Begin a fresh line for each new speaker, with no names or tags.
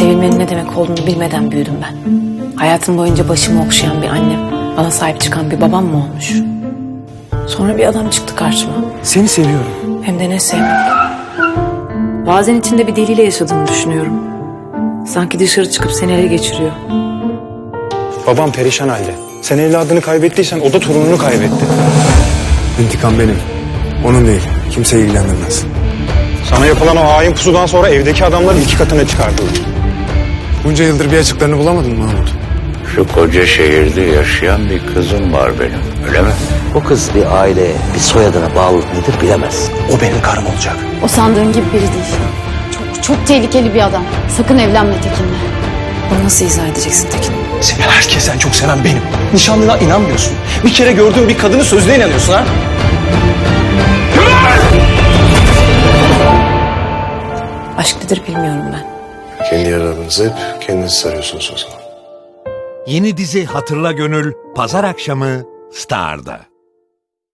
Sevilmenin ne demek olduğunu bilmeden büyüdüm ben. Hayatım boyunca başımı okşayan bir annem, bana sahip çıkan bir babam mı olmuş? Sonra bir adam çıktı karşıma.
Seni seviyorum.
Hem de ne sevmek. Bazen içinde bir deliyle yaşadığını düşünüyorum. Sanki dışarı çıkıp seni ele geçiriyor.
Babam perişan halde. Sen evladını kaybettiysen o da torununu kaybetti. İntikam benim. Onun değil. Kimseyi ilgilendirmez. Sana yapılan o hain pusudan sonra evdeki adamları 2 katına çıkardılar. Bunca yıldır bir açıklarını bulamadın mı Mahmut?
Şu koca şehirde yaşayan bir kızım var benim, öyle mi?
O kız bir aileye, bir soyadına bağlılık nedir bilemez.
O benim karım olacak.
O sandığın gibi biri değil. Çok tehlikeli bir adam. Sakın evlenme Tekin'le.
Bunu nasıl izah edeceksin Tekin?
Seni herkesten çok seven benim. Nişanlına inanmıyorsun. Bir kere gördüğün bir kadının sözüne inanıyorsun ha?
Aşk nedir bilmiyorum ben.
Kendi yaralarınızı hep kendiniz sarıyorsunuz o zaman.
Yeni dizi Hatırla Gönül Pazar akşamı Star'da.